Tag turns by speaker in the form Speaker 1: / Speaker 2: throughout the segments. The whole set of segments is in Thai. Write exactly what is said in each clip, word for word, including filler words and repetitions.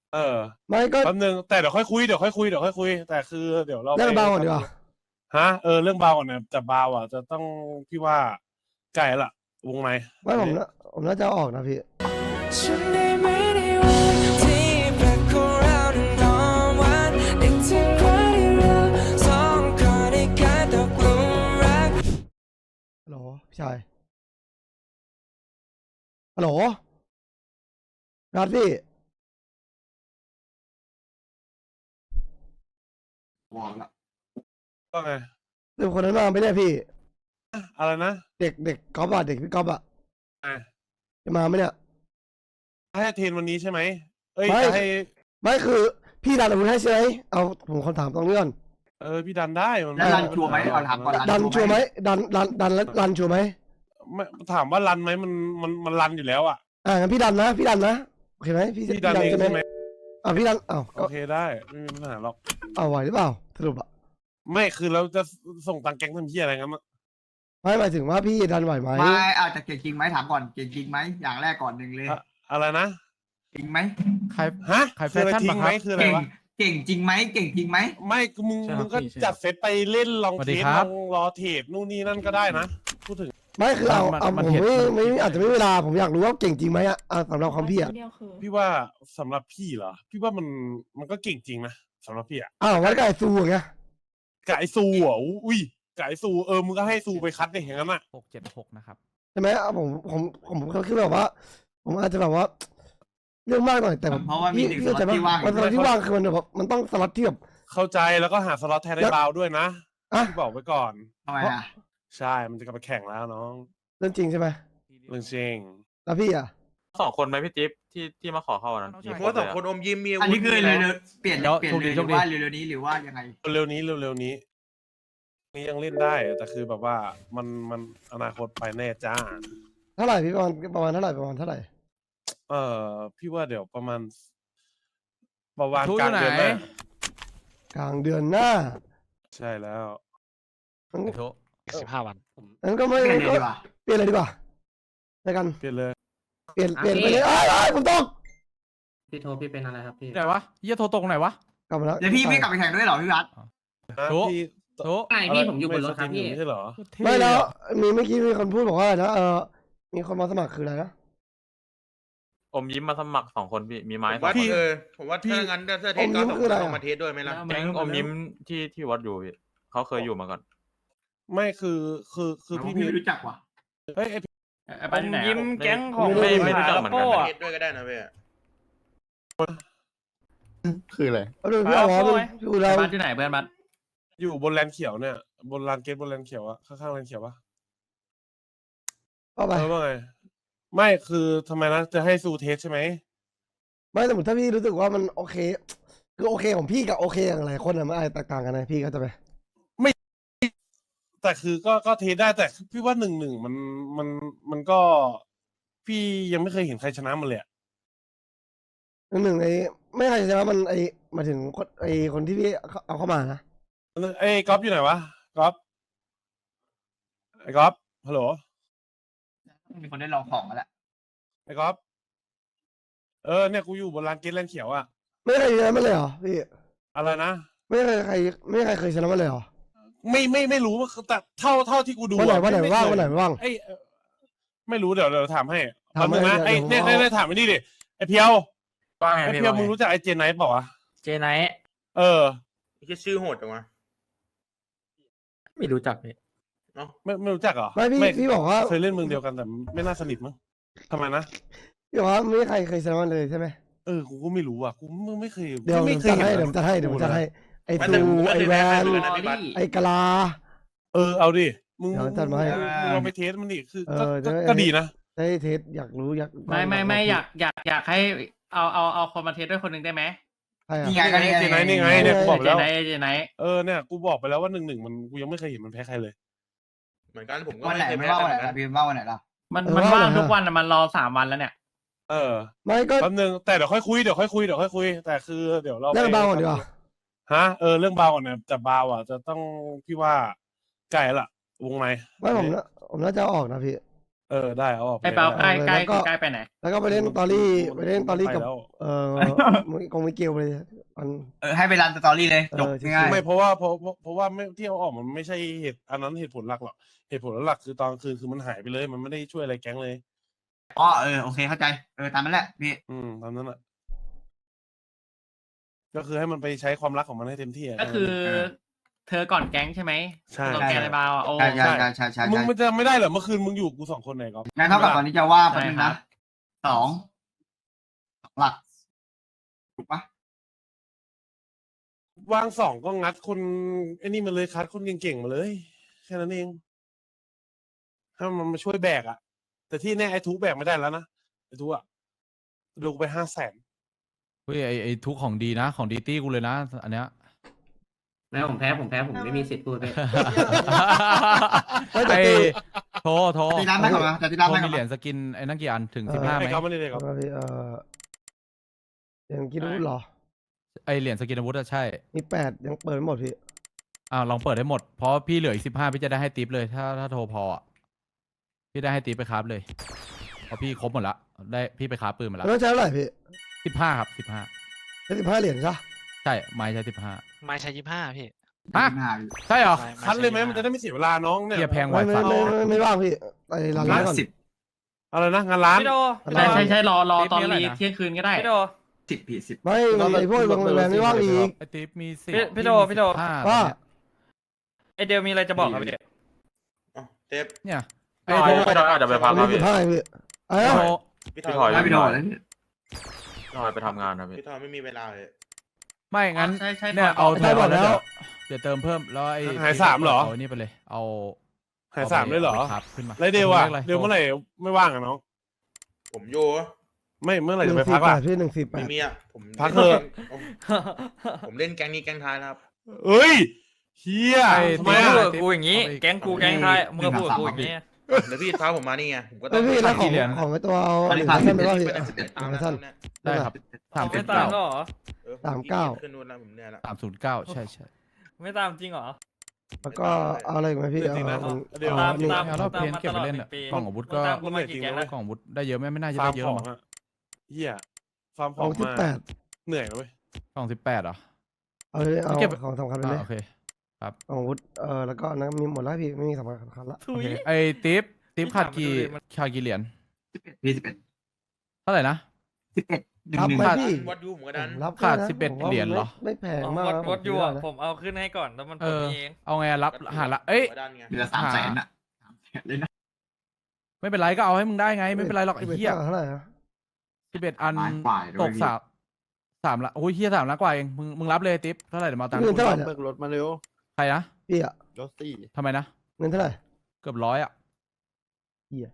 Speaker 1: เออ
Speaker 2: ไม่ก็
Speaker 1: แป๊บนึงแต่เดี๋ยวค่อยคุยเดี๋ยวค่อยคุยเดี๋ยวค่อยคุยแต่คือเดี๋ยวเรา
Speaker 2: เรื่อง
Speaker 1: ไป
Speaker 2: เบาก่อนดีกว่า
Speaker 1: ฮะเออเรื่องเบาก่อนนะแต่เบาอ่ะจะต้องพี่ว่าไกลละวงใน
Speaker 2: ไม่ผมน่ะผมน่าจะเอาออกนะพี่
Speaker 3: ฉันได้ไม่ได้วันที่แปลกของเรานั้นนอนวันนึกถึงวันที่เราสองคนได้กลายตกหลุมรัก
Speaker 2: ฮัลโหลพี่ชายฮัลโหลนัดพี่
Speaker 1: ก็ไง
Speaker 2: เด็กคนนั้นมาไม่ได้พี่
Speaker 1: อะไรนะ
Speaker 2: เด็กเด็กก๊อฟอะเด็กพี่ก๊อฟอะ
Speaker 1: อ่ะ
Speaker 2: จะมาไหมเนี่ย
Speaker 1: ให้เทรนวันนี้ใช่ไหมเอ้ย
Speaker 2: ไม่
Speaker 1: จะให้
Speaker 2: ไม่คือพี่ดันอาวุธให้ใช่ไหมเอาผมคำถามตรงนี้ก่อน
Speaker 1: เออพี่ดันได้มัน
Speaker 4: แล้วรันชัวร์ไหมเอาถามก่อน
Speaker 2: ดันชัวร์ไหมดันดันดันแล้วรันชัวร์ไหม
Speaker 1: ไม่ถามว่ารันไหมมันมันมันรันอยู่แล้วอ่ะ
Speaker 2: อ่างั้นพี่ดันนะพี่ดันนะโอเคไหมพี่
Speaker 1: พี่ดันเอง
Speaker 2: ใช่ไหม
Speaker 1: ใช่ไหม
Speaker 2: อ่าพี่ดันอ้าว
Speaker 1: โอเคได้ไม่มีปัญหาหรอก
Speaker 2: เอาไหวหรือเปล่าสรุปอะ
Speaker 1: ไม่คือเราจะส่งตังค์แก๊งทำเหี้ยอะไรงั้นอะ
Speaker 2: ไม่หมายถึงว่าพี่ดันไหวไหม
Speaker 4: ไม่อาจจะเก่งจริงไหมถามก่อนเก่งจริงไหมอย่างแรกก่อนหนึ่งเลย
Speaker 1: อะอะไรนะ
Speaker 4: จริงไหม
Speaker 5: ใคร
Speaker 1: ฮะ
Speaker 5: ใครแฟ
Speaker 1: คืออะไร
Speaker 5: ชั่น
Speaker 1: ทิ้
Speaker 5: ปะ
Speaker 1: ง
Speaker 5: ค
Speaker 1: ไหม
Speaker 5: รับ
Speaker 1: คืออะไร
Speaker 4: เก่ง
Speaker 1: วะ
Speaker 4: เก่งจริงไหมเก่งจริงไหม
Speaker 1: ไม่มึง
Speaker 5: ใช่ครับ
Speaker 1: มึงก็
Speaker 5: พี่ใช่
Speaker 1: จัดเซตไปเล่นลอง
Speaker 5: สวัส
Speaker 1: เท
Speaker 5: ดี
Speaker 1: ส
Speaker 5: ค
Speaker 1: ล
Speaker 5: รั
Speaker 1: อบ งรอเทรดนู่นนี่นั่นก็ได้นะพูดถึง
Speaker 2: ไม่คือเอา
Speaker 5: มัน
Speaker 2: เอา
Speaker 5: มัน
Speaker 2: ผม
Speaker 5: เห็น
Speaker 2: ไม่
Speaker 5: มัน
Speaker 2: ไม่อาจจะไม่มีเวลาผมอยากรู้ว่าเก่งจริงไหมอะอ่ะสำหรับความพี่อะ
Speaker 6: เดียวคือ
Speaker 1: พี่ว่าสำหรับพี่เหรอพี่ว่ามันมันก็เก่งจริงนะสำหรับพี่อะ
Speaker 2: อ้าวงั้นก็ไอ้ซูอย่างเงี้ย
Speaker 1: กายซูอ่ะอุ้ยกายซูเออมึงก็ให้ซูไปคัดในอย่างนั้นอ่ะ
Speaker 5: หกเจ็ดหกนะครับ
Speaker 2: ใช่ไหมอ่ะผมผมผมผมคือแบบว่า ผมอาจจะแบบว่า เรื่องมากหน่อยแต่แบบ
Speaker 4: เพราะว่ามี
Speaker 2: พี่
Speaker 4: หนึ่ง
Speaker 2: พี่
Speaker 4: ส
Speaker 2: เข้าใจ
Speaker 4: ล็อต
Speaker 2: ไหม
Speaker 4: ที่ว่างอ
Speaker 2: มันส
Speaker 4: ยู่ ด้วย
Speaker 2: ล็อตที่ว่างคือมันแบบมันต้องสล็อตที่แบบ
Speaker 1: เข้าใจแล้วก็หาสล็อตแทนได้
Speaker 2: แล้ว
Speaker 1: บาวด้วยนะ
Speaker 2: อ่ะ
Speaker 1: พี่บอกไว้ก่อน
Speaker 4: ทำไมอ่ะ
Speaker 1: ใช่มันจะกลับไปแข่งแล้วน้อง
Speaker 2: เรื่องจริงใช่ไหม
Speaker 1: เรื่องจริง
Speaker 2: แล้วพี่อ่ะ
Speaker 7: สองคนไหมพี่จิ๊บที่ที่มาขอเข้าวันนั้น
Speaker 5: น้อง
Speaker 7: มี
Speaker 5: ชาย
Speaker 7: ค
Speaker 8: เพราะ
Speaker 7: น
Speaker 8: ส
Speaker 7: เล
Speaker 8: อง
Speaker 7: ย
Speaker 8: คน
Speaker 7: อะ
Speaker 8: อมยิ้มมี
Speaker 4: อันนี้คือเลยเลยเปลี่ยน
Speaker 5: เดี๋ยว
Speaker 4: เปลี่ยน
Speaker 5: โชค
Speaker 4: เล
Speaker 5: ดี
Speaker 4: ยห
Speaker 5: โช
Speaker 4: รื
Speaker 5: ค
Speaker 4: อ
Speaker 5: ดี
Speaker 4: ว่าเร็วๆนี้หรือว่ายังไง
Speaker 1: เร็วๆนี้เร็วๆนี้นี่ยังเล่นได้แต่คือแบบว่ามันมันอนาคตไปแน่จ้า
Speaker 2: เท่าไหร่พี่ประมาณประมาณเท่าไหร่ประมาณเท่าไหร่
Speaker 1: เออพี่ว่าเดี๋ยวประมาณประมาณ
Speaker 5: ทุก
Speaker 1: กลาง
Speaker 5: อยู่
Speaker 1: เดือน
Speaker 5: ไหน
Speaker 1: หน้าก
Speaker 2: ลางเดือนหน้า
Speaker 1: ใช่แล้ว
Speaker 2: งั้น
Speaker 5: ไอ้โท
Speaker 9: สิบห้าวัน
Speaker 2: งั้นก็ไม่
Speaker 4: เปลี่ยน
Speaker 2: ก็
Speaker 4: เลยดีกว่า
Speaker 2: เปลี่ยนเลยดีกว่าในกัน
Speaker 1: เปลี่ยนเลย
Speaker 2: เปลี่ยนเปลี่ยนไปเลยอ้ายอ้ายผมตก
Speaker 9: พี่โทพี่เป็นอะไรครับพี่
Speaker 5: ไหนวะเยี่ยโทรตรงไหนวะ
Speaker 2: กลับมาแล้ว
Speaker 4: เดี๋ยวพี่ไม่กลับไปแข่งด้วยเหรอพี่วัด
Speaker 1: นะ
Speaker 5: โถ่
Speaker 1: พี่
Speaker 5: โท
Speaker 9: ไงพี่ผมอยู่บนรถครับพี่
Speaker 1: ไม่ใช่เหรอ
Speaker 2: ไม่แล้วมีเมื่อกี้มีคนพูดบอกว่าอะไรนะเออมีคนมาสมัครคืออะไรนะ
Speaker 7: อมยิ้มมาสมัครสองคนพี่มีไม้
Speaker 8: ผม
Speaker 7: สอง
Speaker 8: ว่า
Speaker 7: คน
Speaker 8: เออผมว่าถ้างั้นถ้าเทสก็สองคนเอามาเทสด้วยไหมล่ะ
Speaker 7: แก๊งอมยิ้มที่ที่วัดอยู่พี่เขาเคยอยู่มาก่อน
Speaker 1: ไม่คือคือคือ
Speaker 4: พี่
Speaker 1: พี่
Speaker 4: ไม่รู้จักว่ะ
Speaker 1: เฮ้ยไอ
Speaker 9: อมยิ้มแก๊ง
Speaker 5: ของ
Speaker 7: ไม่ไม่รู้จักเหมือนกัน
Speaker 8: เทสด้วยก็ได้นะพี่
Speaker 10: คืออะไร
Speaker 2: เอาดูพี่เอาหมอดูพี่อุไร
Speaker 9: บ้านที่ไหนเพื่อนบ้าน
Speaker 1: อยู่บนแลนด์เขียวเนี่ย บนลานเกตบนแลนด์เขียวอะข้างๆแลนด์เขียวปะ
Speaker 2: เข้าไป
Speaker 1: เออว่าไงไม่คือทำไมนะจะให้ซูเทสใช่ไหม
Speaker 2: ไม่สมมติถ้าพี่รู้สึกว่ามันโอเค คือโอเคของพี่กับโอเคอย่างหลายคนอะมันอาจจะแตกต่างกันนะพี่ก็จะไป
Speaker 1: แต่คือก็ก็เทสได้แต่พี่ว่าหนึ่งหนึ่งมันมันมันก็ พี่ยังไม่เคยเห็นใครชนะมันเลยอะ
Speaker 2: หนึ่งหนึ่งไอ้ไม่ใครจะว่ามันไอ้หมายถึงคนไอ้คนที่พี่เอาเข้ามานะ
Speaker 1: ไอ้ก๊อฟอยู่ไหนวะก๊อฟไอ้ก๊อฟฮัลโหล
Speaker 4: มีคนได้ลองของแล้วแหละ
Speaker 1: ไอ้ก๊อฟเออเนี่ยกูอยู่บนลานเกตแลนด์เขียวอะ
Speaker 2: ไม่เคยชนะมันเลยเหรอพี่
Speaker 1: อะไรนะ
Speaker 2: ไม่เคยใครไม่เคยเคยชนะมันเลยเหรอ
Speaker 1: ไม่ไม่ไม่รู้ว่าแต่เท่าเท่าที่กูดู
Speaker 2: วันไหน
Speaker 1: อะ
Speaker 2: วันไหน
Speaker 1: ม่
Speaker 2: ว่าง
Speaker 1: เคย
Speaker 2: วันไหนว่าง
Speaker 1: ไอ้เอ่อไม่รู้เดี๋ยวเดี๋ยวถามให้
Speaker 2: ถาม
Speaker 1: ทำนึงนะ
Speaker 2: ให้
Speaker 1: ไอ้
Speaker 2: เดี๋
Speaker 1: เนี่ย
Speaker 2: ยวผมเอา
Speaker 1: เนี่ยถามไอ้นี่ดิไอ้เพียว
Speaker 7: ว่าไง
Speaker 1: ไอ้
Speaker 7: พี่
Speaker 1: เพียว
Speaker 7: ว่า
Speaker 1: มึง
Speaker 7: ไง
Speaker 1: รู้จักไอ้เจนไนท์เปล่าวะ
Speaker 9: เจไนท์
Speaker 1: เออ
Speaker 8: แค่ชื่อโหดจังวะ
Speaker 9: ไม่รู้จักพี่
Speaker 1: ไม่ไม่รู้จักเหรอ
Speaker 2: ไม่พี่พี่บอกว่า
Speaker 1: เคยเล่นเมืองเดียวกันแต่ไม่น่าสนิทมั้งทำไมนะ
Speaker 2: พี่บอกว่าไม่ใครเคยชนะมันเลยใช่ไหม
Speaker 1: เออกูก็ไม่รู้อ่ะกูมึงไม่เคย
Speaker 2: เดี๋ยว
Speaker 1: ไม่
Speaker 2: เดี๋ยว
Speaker 1: เค
Speaker 2: จั
Speaker 1: ย
Speaker 2: ด
Speaker 1: เห็น
Speaker 2: ให้เดี๋ยวจัดให้เดี๋ยวจัดให้ไอ้
Speaker 8: ไม่
Speaker 2: ตู
Speaker 8: แต่ผมก็
Speaker 2: ไอ้
Speaker 8: เคย
Speaker 2: แว
Speaker 8: แพ้
Speaker 2: น
Speaker 8: เหมือนกันนะพี่บัส
Speaker 2: ไอ้กะลา
Speaker 1: เออเอาดิมึง
Speaker 2: เดี๋ยวจัดมาให้
Speaker 1: มึงมึงลองไปเทสมันดิคือ
Speaker 2: เอ
Speaker 1: ก็
Speaker 2: อ
Speaker 1: ก็
Speaker 2: เดี๋ยว
Speaker 1: ก็ดีนะ
Speaker 2: ได้เทสอยากรู้อยาก
Speaker 9: ไม่ไม่ไม่อยากอยากอยากให้เอาเอาเอาคนมาเทสด้วยคนหนึ่งได้ไหม
Speaker 2: ใช่อะ
Speaker 4: นี่ไงก็นี่
Speaker 1: เจนไนท์นี่ไง
Speaker 4: ไง
Speaker 1: เนี่ยกูบอก
Speaker 9: เจ
Speaker 1: แล้ว
Speaker 9: ไนท์เจไนท์
Speaker 1: เออเนี่ยกูบอกไปแล้วว่าหนึ่งหนึ่งมันกูยังไม่เคยเห็นมันแพ้ใครเลย
Speaker 8: เหมือนกันผมก็
Speaker 4: วันไหน
Speaker 8: ไม่เคย
Speaker 4: ไม่
Speaker 8: แพ้
Speaker 4: ว่าวันไหน
Speaker 8: เหมือนกั
Speaker 4: ล่ะ
Speaker 8: น
Speaker 4: พี่ว่าวันไหนล่ะ
Speaker 9: มันมันว่างทุกวันอะมันรอสามวันแล้วเนี่ย
Speaker 1: เออ
Speaker 2: ไม่ก็
Speaker 1: แป๊บนึงแต่เดี๋ยวค่อยคุยเดี๋ยวค่อยคุยเดี๋ยวค่อยคุยแต่คือเดี๋ยวเรา
Speaker 2: เรื่อง
Speaker 1: ไป
Speaker 2: เบาก่อนดีกว่า
Speaker 1: ฮะเออเรื่องเบาก่อนเนี่ยแต่เบาอ่ะจะต้องพี่ว่าไกลละวงใน
Speaker 2: ไม่ผมน่ะผมน่าจะเอาออกนะพี่
Speaker 1: เออได้เอาออก
Speaker 9: ไอ้เปาใกล้ใกล้
Speaker 2: แล้วก็
Speaker 9: ใกล้ไปไหน
Speaker 2: แล้วก็ไปเล่นตอรี่ไปเล่นตอรี่กับ
Speaker 1: ไปแล้ว
Speaker 2: เออคงไม่เกี่ยวเลยมัน
Speaker 4: เออให้ไปรันสตอรี่เลยจบ
Speaker 2: เออ
Speaker 4: ง่าย
Speaker 1: ไม่เพราะว่าเพราะเพราะเพราะว่าไม่ที่เอาออกมันไม่ใช่เหตุอันนั้นเหตุผลหลักหรอกเหตุผลหลักคือตอนกลางคืนคือมันหายไปเลย มันไม่ได้ช่วยอะไรแก๊งเลย
Speaker 4: ๆอ๋อเออโอเคเข้าใจเออตามนั้นแหละพี่
Speaker 1: อืมตามนั้นอ่ะ ก็คือให้มันไปใช้ความรักของมันให้เต็มที่ะ
Speaker 9: ก็คือ เธอก่อนแก๊งใช่ไหม
Speaker 1: ใช่
Speaker 9: ตัวแกนไอ้บาวอ่ะโอ้
Speaker 4: ใช่ใช่ใช่ใช่ใช่
Speaker 1: มึง
Speaker 4: ใช่
Speaker 1: มันจะไม่ได้เหรอเมื่อคืนมึงอยู่กูสองคนไหนก็
Speaker 4: งั้นเท่ากับตอนนี้จะว่าแป๊บนึง
Speaker 9: ใช่ครั
Speaker 4: นะ
Speaker 9: บ
Speaker 4: สองสองหลักถูกปะ
Speaker 1: วางสองก็งัดคนไอ้นี่มาเลยคัดคนเก่งๆมาเลย แค่นั้นเองถ้ามันมาช่วยแบกอะแต่ที่แน่ไอ้ทุกแบกไม่ได้แล้วนะไอ้ทุกอะดูไปห้าแสน
Speaker 5: เฮ้ยไอไอทุกของดีนะ ของดีตี้กูเลยนะ อันเนี้ย
Speaker 9: แล้วผมแพ้ผมแพ้ผมไม่มีสิทธิ์พูดไป
Speaker 2: เฮ้ยแต่
Speaker 5: ไอ
Speaker 2: ตี
Speaker 5: โทรโทร
Speaker 4: ตีร้านได้ก่อนนะแต่ตีร้าน
Speaker 5: โทร
Speaker 4: ได้ก่
Speaker 5: มี
Speaker 4: อน
Speaker 5: เหรียญ
Speaker 4: นะ
Speaker 5: สกินไอ้นั่นกี่อันถึง
Speaker 2: เออ
Speaker 5: สิบห้าไห
Speaker 1: ไอ้
Speaker 5: ม
Speaker 1: เขาไม่ได้เลยครับ
Speaker 2: เอาไปเออยังกินอาวุธเหรอ
Speaker 5: ไอเหรียญสกินอาวุธอะใช่
Speaker 2: มีแปดยังเปิดไม่หมดพี่
Speaker 5: อ่าลองเปิดให้หมด เพราะพี่เหลืออีกสิบห้าพี่จะได้ให้ติปเลย ถ้าถ้าโทรพออะพี่ได้ให้ติปไปคราฟเลยเพราะพี่ครบหมดละได้พี่ไปคราฟปืนมาละ
Speaker 2: แล้วใช้เท่าไหร่พี่
Speaker 5: สิบห้าครับสิบห้า
Speaker 2: ใช้สิบห้าเหรียญใช่ปะ
Speaker 5: ใช่ไม้ใช้สิบห้า
Speaker 6: ไม้ใช้ยี่ห้าพี่
Speaker 5: ฮะ
Speaker 4: ยี่สิบห้าอยู่
Speaker 5: ใช่เหรอ
Speaker 1: คัดเลยไหมมันจะได้ไม่เสียเวลาน้องเนี่ย
Speaker 5: เฮียแพงไว
Speaker 2: ไม่ไม่
Speaker 5: ฟ้า
Speaker 2: ไม่ไม่ไม่ว่างพี่ไปร้าน
Speaker 4: ร้า
Speaker 2: ร้าน นก่อน
Speaker 4: สิบ
Speaker 1: อะไรนะงานร้าน
Speaker 6: พี่โด
Speaker 2: อะไร
Speaker 9: ใช่ใช่ใช่รอรอ
Speaker 5: ติ๊บ
Speaker 9: ตอน
Speaker 5: มีอะไร
Speaker 9: รี
Speaker 5: นะ
Speaker 9: เที่ยงคืนก็ได้
Speaker 6: พี่โด
Speaker 4: สิบพี่สิบ
Speaker 2: ไม่ไอ้พวกโรงแรมไม่ว่างอีก
Speaker 5: ไอติปมีสิบ
Speaker 6: พี่พี่โดพี่โด
Speaker 5: ห้า
Speaker 2: ว่า
Speaker 6: ไอเดลมีอะไรจะบอกครับพี่
Speaker 8: อ๋อเทป
Speaker 5: เนี่ยไอ
Speaker 7: พี่
Speaker 5: โท
Speaker 7: ถ
Speaker 5: ร
Speaker 7: อยพี่ถอยอาจจะไปพั
Speaker 2: อั
Speaker 7: ก
Speaker 2: น
Speaker 7: ครั
Speaker 2: นี้
Speaker 7: บ
Speaker 2: สิ
Speaker 7: พี่
Speaker 2: บห้าพี่เอ้ย
Speaker 5: โทร
Speaker 8: พี่
Speaker 7: พี่
Speaker 8: ถ
Speaker 7: ถ
Speaker 8: อ
Speaker 7: อย ย
Speaker 4: ได้ไปโดนแล้ว
Speaker 7: พี่ถอยไปทำงานนะพี่
Speaker 8: พี่ถอยไม่มีเวลาเลย
Speaker 5: ไม่งั้น
Speaker 9: ใช่ใช่
Speaker 5: เนี่ย
Speaker 9: ต่อ
Speaker 5: เอา
Speaker 2: ได้
Speaker 5: โทร
Speaker 2: หมดแล้ว
Speaker 5: เดี๋ยวเติมเพิ่มแล้วไอ้
Speaker 1: หายสามเหรอ
Speaker 5: เอานี่ไปเลย เอา
Speaker 1: หายสามเลยเหรอ
Speaker 5: าไปครับขึ้นมา
Speaker 1: ไรเดวอะ
Speaker 5: ขะ
Speaker 1: เดวเมื่อไหร่ไม่ว่างอะน้อง
Speaker 8: ผมอยู่
Speaker 1: ไม่เมื่อไหร่
Speaker 2: ห
Speaker 1: จะ
Speaker 2: นึ่
Speaker 1: ไป
Speaker 2: งสี่
Speaker 1: พัก
Speaker 2: แป
Speaker 1: ล่ะ
Speaker 2: ดพี่หนึ่งสี่แป
Speaker 8: ไม่
Speaker 2: ด
Speaker 8: มีอ่ะผม
Speaker 1: พักเถอะ
Speaker 8: ผมเล่นแก๊งนี้แก๊งท้ายนะครับ
Speaker 1: เอ้ยเฮีย
Speaker 5: ไอ้
Speaker 1: ทำ
Speaker 6: มึ
Speaker 1: ไม
Speaker 6: ง
Speaker 1: อะ
Speaker 6: พูดกับกูอย่างนี้ แก๊งกูแก๊งไทยมึงก็พูดกับกูอย่างนี้
Speaker 8: เดี๋ยวพี่ท้าผมมานี่ไงผมก็ต้
Speaker 2: แล้
Speaker 8: อ
Speaker 2: ว
Speaker 8: ง
Speaker 2: พี่แล้วของ
Speaker 5: กี่เหรียญ
Speaker 2: ของไอ้ตัวเอา
Speaker 4: อัน
Speaker 2: เห
Speaker 4: นี้
Speaker 2: รียญ
Speaker 4: ผ่าน
Speaker 2: สั้นไปว่า
Speaker 8: พี่
Speaker 2: พี่
Speaker 8: ไปได้สิบเอ็ดตาม
Speaker 2: เหรียญ
Speaker 8: แล้
Speaker 2: สั้น
Speaker 8: วเนี่ย
Speaker 5: ได้ครับ สามสิ
Speaker 6: ไม่
Speaker 5: บ
Speaker 6: ตาม
Speaker 5: เก้า
Speaker 6: ก็เหรอ
Speaker 8: เออ
Speaker 2: สามเก้า
Speaker 8: ขึ้นนู่นแล้วผมเหนื่อยละ
Speaker 5: สามศูนย์เก้าใช่ใช่
Speaker 6: ไม่ตามจริงเหรอ
Speaker 2: แล้วก็เอาอะไรอีกไหมพี่
Speaker 1: เดี๋ยวจริงนะ
Speaker 2: เอา
Speaker 1: เดี๋ยว
Speaker 2: เอา
Speaker 6: ตาม
Speaker 2: หนึ่ง
Speaker 6: ตาม
Speaker 5: เอาเราเพน
Speaker 6: ตามมา
Speaker 5: เก็บไป
Speaker 6: ตลอด
Speaker 5: เล่น
Speaker 6: หนึ่
Speaker 5: อะ
Speaker 6: งปี
Speaker 5: กล่องอาวุธก็
Speaker 6: มึงตามกูมากี่แก๊งแล้ว
Speaker 5: กล่องอาวุธได้เยอะไหมไม่น่าจะ
Speaker 1: ฟา
Speaker 5: ได้
Speaker 1: ร์ม
Speaker 5: เยอะ
Speaker 1: ของ
Speaker 5: มั้ง
Speaker 1: อะเฮียฟาร์มข
Speaker 2: ข
Speaker 1: อ
Speaker 2: อง งสิบ
Speaker 1: มา
Speaker 2: แปด
Speaker 1: เหนื่อยนะเว้ย
Speaker 5: กล่องสิบแปดเหรอ
Speaker 2: เอาเลยเอา
Speaker 5: เก็บ
Speaker 2: ของสำคัญไป
Speaker 5: อ่า
Speaker 2: เลย
Speaker 5: โอเค
Speaker 2: ของอาวุธเออแล้วก็อันนั้นมีหมดแล้วพี่ไม่มีสำคัญสำคัญละ
Speaker 6: ทุ
Speaker 5: โอย เคไอ้ติปติปขาดกี่
Speaker 6: พี่ถามมาดูดิมัน
Speaker 5: ขาดกี่เหรียญ
Speaker 4: สิบเอ็ดพี่สิบเอ็ด
Speaker 5: เท่าไหร่นะ
Speaker 4: สิบเอ็ดหนึ่ง
Speaker 2: รับ
Speaker 4: หนึ่ง
Speaker 2: ไหม
Speaker 5: ขาด
Speaker 2: พี่
Speaker 8: วัดยูผมก็
Speaker 2: ผ
Speaker 8: ดัน
Speaker 2: มรับ
Speaker 5: ขาด
Speaker 2: นะ
Speaker 5: สิบเอ็ด
Speaker 2: ผมว่า
Speaker 5: เหรียญเหรอ
Speaker 2: ไม่ไม่แพง
Speaker 6: ผม
Speaker 2: มาก
Speaker 6: วัด
Speaker 2: นะ
Speaker 6: วัดอยู่อ่ะ
Speaker 2: ผม
Speaker 6: ผมเอาขึ้นให้ก่อนแล้วมัน
Speaker 5: เอ
Speaker 6: ผล
Speaker 5: อ
Speaker 6: เอง
Speaker 5: เอาไงรับหาละเอ้ย
Speaker 8: ผมก็ดันไง
Speaker 4: เดือนสามแสนอ่ะสามแสนเลยนะ
Speaker 5: ไม่เป็นไรก็เอาให้มึงได้ไง ไม่เป็นไรหรอกไอ้
Speaker 2: สิบ
Speaker 5: เหี้ย
Speaker 2: เท่าไหร่นะ
Speaker 5: สิบเอ็ดอัน
Speaker 4: ล้านกว่าด้วย
Speaker 5: ตกสามสามละโอ้ยเหี้ยสามละกว่าเองมึงมึงรับเลยติปเท่าไหร่เดี๋ยวมาเอาตังค์
Speaker 2: เงินเท่าไหร่เนี่ย
Speaker 10: เบิกรถมาเร็ว
Speaker 5: ใครนะ
Speaker 2: พี่อะ
Speaker 10: รถสี่
Speaker 5: ทำไมนะ
Speaker 2: เงินเท่าไหร่
Speaker 5: เกือบร้อยอ่ะ
Speaker 2: เหี้ย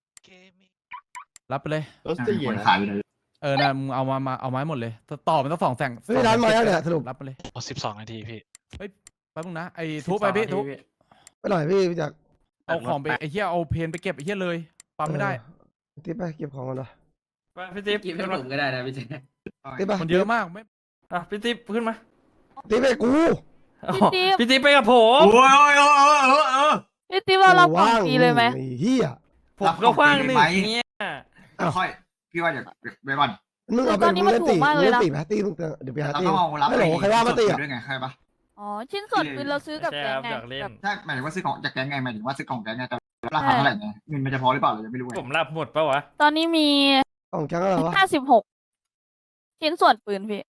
Speaker 5: รับไปเลย
Speaker 10: รถสี่
Speaker 4: คน
Speaker 10: นะ
Speaker 4: ขายไปเลย
Speaker 5: เออนะมึงเอามามาเอาไม้หมดเลยต่อมันต้องสองแสง
Speaker 2: เฮ้ยร้านมาแล้วเนี่ยสรุป
Speaker 5: รับไปเลย
Speaker 6: สิบสองนาทีพี่
Speaker 5: แป๊บนึงนะไอ้ทุบไปพี่ทุบ
Speaker 2: ไปหน่อยพี่พี่จาก
Speaker 5: เอาของไปไอ้เหี้ยเอาเพนไปเก็บไอ้เหี้ยเลยปั๊มไม่ได้
Speaker 2: เออติ๊บไปเก็บของกันหน่อย
Speaker 6: ไปพี่ติ๊บ
Speaker 9: กิน
Speaker 6: ขึ้น
Speaker 9: ผ
Speaker 6: มา
Speaker 9: มก็ได้นะพี่เจ
Speaker 2: ติ๊บไป
Speaker 5: มันเยอะมากไม่
Speaker 6: อ่ะพี่ติ๊บขึ้นมา
Speaker 2: ติ๊บไปกู
Speaker 6: อ๋อพี่ติ๊บไปกับผม
Speaker 4: โอ้ยโอ้ยโอ้ยโอ้ยโอ้ยโอ้ย
Speaker 11: พี่ติ๊บว่าเรากล่องฟรีเลยไหม
Speaker 2: อ้เฮีย
Speaker 6: ผมก็ว่างหนึ่ง
Speaker 4: รับของฟรีไหม
Speaker 6: เนี่ย
Speaker 4: ค่อยพี่ว่าเดี๋ยวไปก่อน
Speaker 2: มึงเอาไป
Speaker 11: ตอนนี้มัน
Speaker 2: เล่น
Speaker 11: ถู
Speaker 2: ตี
Speaker 11: กมากเลย
Speaker 2: เล่น
Speaker 11: นะ
Speaker 2: ตีไหมตีมึงเดี๋ยวไปหา
Speaker 4: เรา
Speaker 2: ตี
Speaker 4: ต้องเอารับ
Speaker 2: ไม่หรอใครว่ามาตีอ่ะ
Speaker 4: ด้วยไงใครปะ
Speaker 11: อ๋อ ชิ้นส่วนคือเราซื้อกับ
Speaker 6: ใช่
Speaker 11: แก
Speaker 6: ค
Speaker 11: ง
Speaker 6: รับ
Speaker 11: ไง
Speaker 6: อยากเล่น
Speaker 11: แบบ
Speaker 4: ใช่หมายถึงว่าซื้อของจากแก๊งไงหมายถึงว่าซื้อของแก๊งไงแต่ราคาเท่าไหร่ไงเงินมันจะพอหรือเปล่าเรายังไม่รู้ไง
Speaker 6: ผมรับหมดปะวะ
Speaker 11: ตอนนี้มี
Speaker 2: ของแก๊งอะไรวะ
Speaker 11: ห้าสิบหกชิ้นส่วนปืนพี่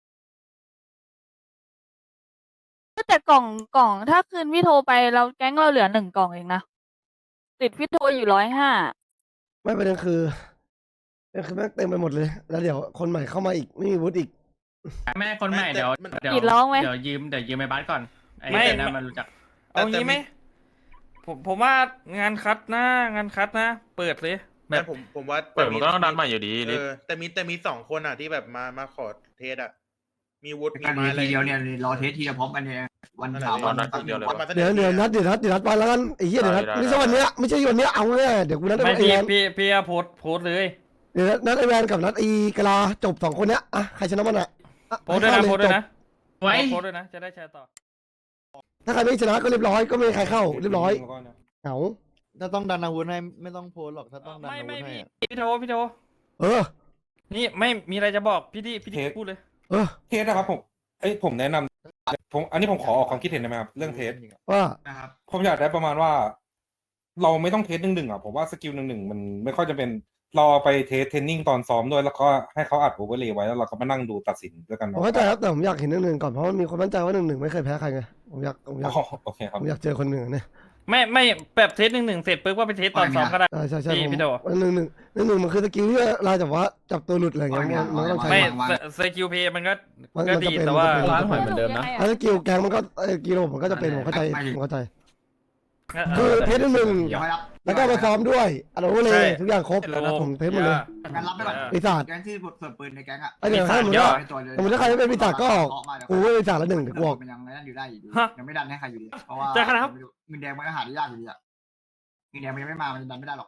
Speaker 11: แต่กล่องกล่องถ้าคืนพี่โทรไปเราแก๊งเราเหลือหนึ่งกล่องเองนะ ติดพี่โทรอยู่ร้อยห้า
Speaker 2: ไม่ประเด็นคือประเด็นคือแม่งเต็มไปหมดเลย แล้วเดี๋ยวคนใหม่เข้ามาอีกไม่มีวุฒิอีก
Speaker 9: แม่คนใหม่เดี๋ยวเดี๋ยว
Speaker 11: กรีดร้องไหม
Speaker 9: เดี๋ยวยืมเดี๋ยวยืมไอ้บัสก่อนไอ้
Speaker 6: ไม่
Speaker 9: ไอ้นั่นมันรู้จัก
Speaker 6: เอางี้ไหมผมผมว่างานคัดนะ งานคัดนะ เปิดเลย
Speaker 8: แต่ผมผมว่า
Speaker 7: เปิดมันก็ต้องดันใหม่อยู่ดี
Speaker 8: เอ
Speaker 7: ลิฟ
Speaker 8: อแต่มีแต่มีสองคนอ่ะที่แบบมามาขอเทสอ่ะมีวุฒิ
Speaker 4: เป็น
Speaker 8: มี
Speaker 4: การ
Speaker 8: ไม้อะไร
Speaker 4: ทีเดียวเนี่ยรอเทสทีเดียวพร้อมกันเนี่ยวันเสาร์วันตั้งเดียวเลย
Speaker 8: วันมาสนอ
Speaker 2: เดี๋ยวเดี๋ยวนัดเดี๋ยวนัดเดี๋ยวนัดไปแล้วกันไอ้เหี้ยเดี๋ยวนัดไม่ใช่วันเนี้ยไม่ใช่วันเนี้ยเอาแน่เดี๋ยวกูนัด
Speaker 6: ไม่
Speaker 2: ไอ้
Speaker 6: พี่
Speaker 2: แวน
Speaker 6: พี่พี่อะโพสต์โพสต์เลย
Speaker 2: เดี๋ยวนัดไอ้แวนกับนัดไอ้กะลาจบสองคนเนี้ยอ่ะใครชนะมันอ่ะอ่ะ
Speaker 6: โพสต์ด้วยนะ
Speaker 2: ให้
Speaker 6: โพ
Speaker 2: เข้า
Speaker 6: สต์
Speaker 2: เล
Speaker 6: ด้วย
Speaker 2: จบ
Speaker 6: นะ
Speaker 9: ไว้
Speaker 6: โพสต์ด้วยนะ จะได้แชร์ต่อ
Speaker 2: ถ้าใครไม่ชนะก็เรียบร้อยก็ไม่มีใครเข้าเรียบร้อยเหงา
Speaker 10: ถ้าต้องดันอาวุธให้ไม่ต้องโพสหรอกถ้าต้องดัน
Speaker 6: ไม่
Speaker 10: อาวุ
Speaker 6: ไม่
Speaker 10: ธให้
Speaker 6: พี่
Speaker 10: อะ
Speaker 6: พี่โทพี่โท
Speaker 2: เออ
Speaker 6: นี่ไม่มีอะไรจะบอกพี่ดิพี่ดิ
Speaker 7: เทส
Speaker 6: พูดเลย
Speaker 2: เออ
Speaker 7: เทสนะครับผมเอ้ยผมแนะนำผมอันนี้ผมขอออกความคิดเห็นได้ไหมครับเรื่องเทส
Speaker 2: ว่า
Speaker 4: นะครับ
Speaker 7: ผมอยากได้ประมาณว่า เราไม่ต้องเทสหนึ่งหนึ่งอ่ะผมว่าสกิลหนึ่งหนึ่งมันไม่ค่อยจะเป็นเราไปเทสเทรนนิ่งตอนซ้อมด้วยแล้วก็ให้เขาอัดโอเวอร์เลย์ไว้แล้วเราก็มานั่งดูตัดสินด้วยกัน
Speaker 2: ผมเข้าใจครับแต่ผมอยากเห็นหนึ่งหนึ่งก่อนเพราะมันมีคนมั่นใจว่าหนึ่งหนึ่งไม่เคยแพ้ใครไงผมอยากผมอยาก
Speaker 7: อ๋อโอเคครับ
Speaker 2: ผมอยากเจอคนหนึ่งอะเนี่ย
Speaker 6: ไม่ไม่แบบเทสหนึ่งหนึ่งเสร็จปุ๊บก็ไปเทสตอนซ้อมก็ได้
Speaker 2: ใช่ใช่ใช่
Speaker 6: พี่
Speaker 2: ผม
Speaker 6: พี่โด
Speaker 2: หนึ่งหนึ่งหนึ่งหนึ่งมันคือสกิลที่เราจับว่าจับตัวหลุดอะไรอย่างเงี้ยมันมันก็ต้องใช้
Speaker 6: ไม่
Speaker 4: วาง
Speaker 6: สกิลเพย์มันก็
Speaker 2: มัน
Speaker 6: ก็
Speaker 2: มัน
Speaker 6: ดี
Speaker 2: จะเป็น
Speaker 6: แต่ว่า
Speaker 2: มันจะเป็น
Speaker 5: ร้านหอยเหมือนเดิมนะ
Speaker 2: ถ้าสกิลแกงมันก็เอ้ยกิโลผมก็จะเป็นผมเข้าใจ
Speaker 4: ไม่ไม่
Speaker 2: ผมเข้าใจ
Speaker 6: เออ
Speaker 2: คือเทสหนึ่ง
Speaker 4: เดี๋ยวให้รับ
Speaker 2: แล้วก็มาซ้อมด้วยอันโอเวอร์เล
Speaker 6: ใช่
Speaker 2: ย์ทุกอย่างครบ
Speaker 6: โอ้
Speaker 2: ผมเทสหมดเลย
Speaker 4: งั้นรับไปก่อน
Speaker 2: ปีศาจ
Speaker 4: แก๊งที่บทส่วนปืนในแก๊งอ่ะ
Speaker 2: ไอ้เดี๋ยวถ้าสมมติว่า สมมุติถ้าใครไม่เป็นปีศาจก็ออก กูไม่เป็นปีศาจละหนึ่งเดี๋ยวกูออก
Speaker 4: มันยังไม่ได้อยู่ได้อยู่ดี
Speaker 6: ฮะ
Speaker 4: ยังไม่ดันให้ใครอยู่ดีเพราะว่า
Speaker 6: จะขนาดครับ
Speaker 4: เงินแดงมันก็หาได้ยากอยู่ดีอ่ะเงินแดงมันยังไม่มามันดันไม่ได้หรอก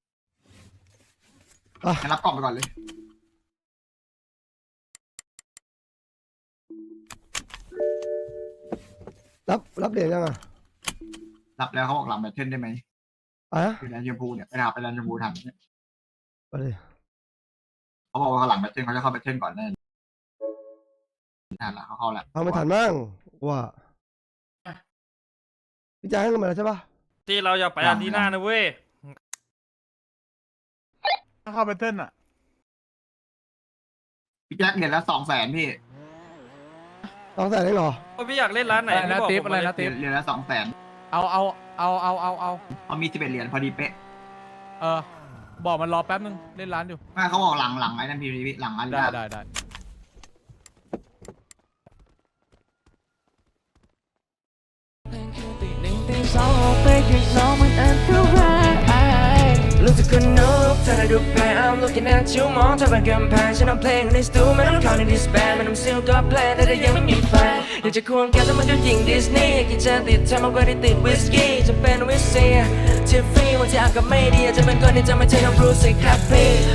Speaker 2: อ่ะ
Speaker 4: งั้นรับกล่องไปก่อนเลย
Speaker 2: รับรับเหรียญยังอ่ะ
Speaker 4: รับแล้วเขาบอกหลังแบตเทิลได้ไหม
Speaker 2: อ่ะ
Speaker 4: คือแดนชมพูเนี่ยไปหาไปแดนชมพูทัน
Speaker 2: ไปเลย
Speaker 4: เขาบอกว่าเขาหลังแบตเทิลเขาจะเข้าแบตเทิลก่อนแน่ทันละเขาเข้าละ
Speaker 2: เอาไม่ทันมั่งว่าพี่จ่ายให้เงินมาแล้วใช่ปะ
Speaker 6: ที่เราอยากไปอาร์ตีน่านะเว้ย
Speaker 1: ถ้าเข้าไปเต้นอ่ะ
Speaker 4: พี่แจ็คเหรียญละสองแสนพี่
Speaker 2: สองแสนเองเหรอ
Speaker 6: พี่อยากเล่นร้านไหน
Speaker 5: อะไรนะ
Speaker 6: พี่บอก
Speaker 5: ติ๊บ
Speaker 6: ผม
Speaker 5: อะไร
Speaker 6: เลย
Speaker 5: นะติ๊บ
Speaker 4: เหรียญละสองแสน
Speaker 5: เอาเอาเอาเอาเอาเอา
Speaker 4: เขามีสิบเอ็ดเหรียญพอดีเป๊ะ
Speaker 5: เออ บอกมันรอแป๊บนึงเล่นร้านอยู่
Speaker 4: ไม่เขาบอกหลังหลังไอ้นั่นพีพีหลังอัน
Speaker 5: ได้ได้ได้
Speaker 3: รู้สึกคนนกเธอได้ดูแพ้ I'm looking at you มองเธอเป็นกำแพงฉันเอาเพลงในสตูไม่ต้องเข้าในดิสแบนไม่ต้องซิลก็แพลนแต่ยังไม่มีแฟนอยากจะควงแกแต่มันก็ยิงดิสนีย์กินจะติดเธอมากกว่าที่ติดวิสกี้จะเป็นวิสเซียที่ฟรีวันที่อากาศไม่ดีจะเป็นคนที่จะไม่ใช่น้องบรูซสิครับพี่